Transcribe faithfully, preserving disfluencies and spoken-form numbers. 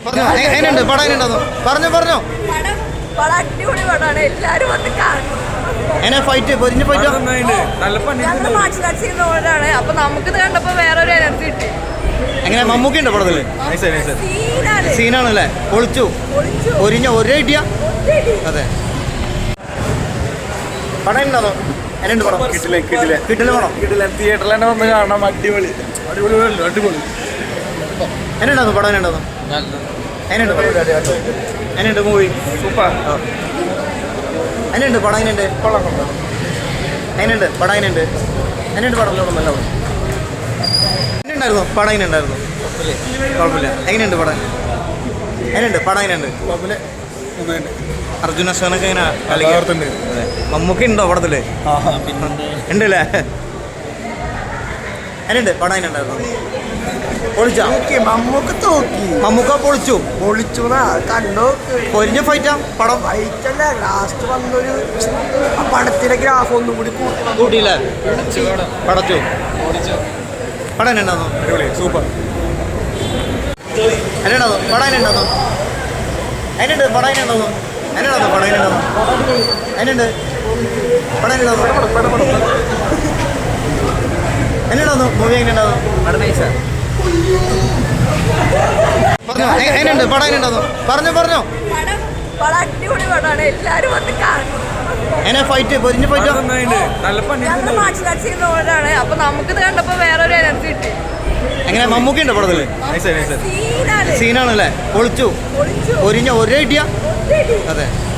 എങ്ങനെയുണ്ട് പടം എങ്ങനെയുണ്ടോ പറഞ്ഞോ പറഞ്ഞോ അടിപൊളി പടമാണ് എല്ലാരും വന്ന് കാണും. എങ്ങനെ ഫൈറ്റ് പൊരിഞ്ഞ് ഫൈറ്റ് ഞങ്ങൾ മാർഷൽ ആർട്സ് ചെയ്യുന്നവരാണ്. അപ്പൊ നമുക്കിത് കണ്ടപ്പോ വേറൊരു എനർജി കിട്ടി. എങ്ങനെ മമ്മൂക്കി ഉണ്ട് പടത്തില് സീനാണല്ലേ പൊളിച്ചു പൊരിഞ്ഞ ഒരേ ഇടിയ അതെ പടം ഉണ്ടോ എങ്ങനെയുണ്ട് പടം കിട്ടില്ല കിട്ടില്ല കിട്ടില്ല പടം കിട്ടില്ല തിയേറ്ററിൽ തന്നെ വന്ന് കാണാം. അടിപൊളി അടിപൊളി അടിപൊളി എങ്ങനെയുണ്ടോ പടം എങ്ങനെയുണ്ടോ എങ്ങനെയുണ്ട് എങ്ങനെയുണ്ട് മൂവി സൂപ്പർ എങ്ങനെയുണ്ട് പടം എങ്ങനെയുണ്ട് എങ്ങനെയുണ്ട് പടം എങ്ങനെയുണ്ട് എങ്ങനെയുണ്ട് പടം എങ്ങനെയുണ്ടായിരുന്നു പടം എങ്ങനെയുണ്ടായിരുന്നു കുഴപ്പമില്ല എങ്ങനെയുണ്ട് പടം എങ്ങനെയുണ്ട് പടം എങ്ങനെയുണ്ട് അർജുന അശോകനൊക്കെ എങ്ങനെ കളിക്കുന്നുണ്ട് മമ്മൂക്കി ഉണ്ടോ പടത്തില് ഉണ്ടല്ലേ എങ്ങനെയുണ്ട് പടം എങ്ങനെയുണ്ടായിരുന്നു പൊളിച്ചാ മമ്മൂക്ക് തോക്കി മമ്മൂക്ക പൊളിച്ചു പൊളിച്ചു കണ്ടോ പൊരിഞ്ഞ ഫൈറ്റാ പടം ഫൈറ്റല്ല ലാസ്റ്റ് വന്നൊരു ആ പടത്തിലെ ഗ്രാഫ് ഒന്നും കൂടി കൂട്ടിയില്ല പടച്ചു പടം എന്നുണ്ടായിരുന്നു അടിപൊളി സൂപ്പർ എന്നുണ്ടായിരുന്നു പടം എന്നുണ്ടായിരുന്നു അതിനുണ്ട് പടം എന്നുണ്ടായിരുന്നു എന്നുണ്ടായിരുന്നു പടം എന്നുണ്ടായിരുന്നു അതിനുണ്ട് പടം എന്നുണ്ടായിരുന്നു എന്നുണ്ടായിരുന്നു മൂവി എങ്ങനെ ഉണ്ടായിരുന്നു പറഞ്ഞോ എങ്ങനെയുണ്ട് പടം എങ്ങനെയുണ്ടായിരുന്നു പറഞ്ഞോ പറഞ്ഞോ അടിപൊളി പടമാണ് എല്ലാരും വന്ന് കാണും. എങ്ങനെ ഫൈറ്റ് പൊരിഞ്ഞ് ഫൈറ്റ് ഞങ്ങൾ മാർഷൽ ആർട്സ് ചെയ്യുന്നവരാണ്. അപ്പൊ നമുക്കിത് കണ്ടപ്പോ വേറൊരു എനർജി കിട്ടി. എങ്ങനെ മമ്മൂക്കി ഉണ്ട് പടത്തില് സീനാണല്ലേ പൊളിച്ചു പൊരിഞ്ഞ ഒരേ ഇടിയ അതെ